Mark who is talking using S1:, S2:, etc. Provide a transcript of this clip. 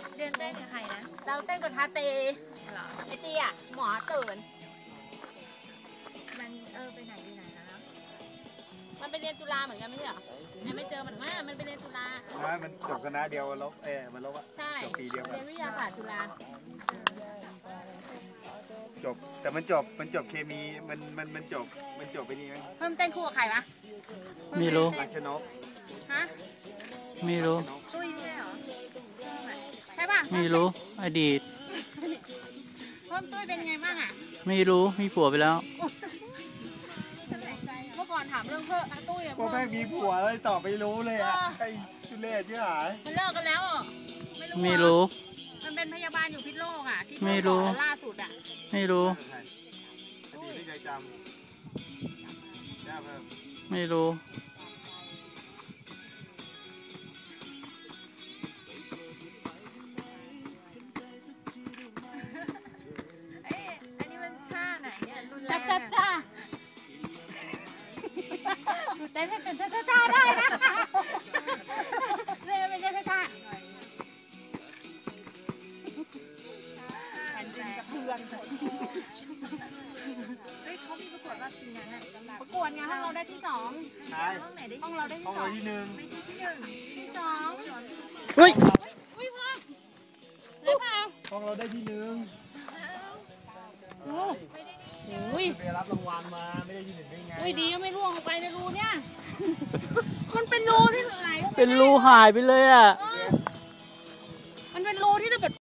S1: เดินเต้นกับใครนะ
S2: เราเต้นกับทาเตไอตีอ่ะหมอตื่น
S1: มันไปไหนอยู่ไหนแล้ว
S2: มันไปเรียนจุฬาเหมือนกันไม่ใช่เหรอไม่เจอมันมันไปเรียนจุฬา
S3: มันจบคณะเดียวลบมันลบอ่ะจบปีเดียว
S2: เรียนวิทยาศาสตร์จุฬา
S3: จบแต่มันจบเคมีมันจบไปนี่ไหม
S2: เพิ่มเต้นคู่กับใครวะ
S4: ไม่รู้
S3: รัชนก
S2: ฮะ
S4: ไม่รู้
S1: ตุ้ยไม่ใช่เหรอ
S2: ใช่ป่ะ
S4: ไม่รู้อดีต
S2: เพิ่มตุ้ยเป็นไงบ้างอ่ะ
S4: ไม่รู้มีผัวไปแล้ว
S2: เมื่อก่อนถามเรื่องเพิ่มตุ้ย
S3: พ่อแม่มีผัวเลยตอบไม่รู้เลยอ่ะไอ้จุเล่ชื่อหาย
S2: มันเลิกกันแล้ว
S4: ไม่รู้
S2: มันเป็นพยาบาลอยู่พิษโลกอ่ะที่
S4: ไม่รู้
S2: ล่าสุดอ่ะ
S4: ไม่รู้
S3: ไม่ใจจำ
S4: ไม่รู้
S1: อันนี้มันชาไหนเนี่ยรุนแร
S2: จ้าง จ้าเต้นเป็นจ้าได้นะเต้นเป็นจ้าแผ่นดินกระเทือน
S1: เฮ้ยเขามีประกวดว่าปีนั้นอะ
S2: ประกวดไงห้องเราได้ที่2
S1: ห้องไหนได้
S2: ห้องเราได้ที่2
S3: ที่1
S1: ไม่ใช่ที่1
S2: ที่2
S4: เฮ้ย
S2: อุ้ยพ่อเลยเปล่า
S3: ห้องเราได้ที่1
S2: อุ้ย
S3: ไปรับรางวัลมาไม่ได้ที่1ได้ไง
S2: อุ้ยดีก็ไม่ร่วงลงไปในรูเนี่ยมันเป็นรูที่ไหน
S4: เป็นรูหายไปเลยอ่ะ
S2: เออ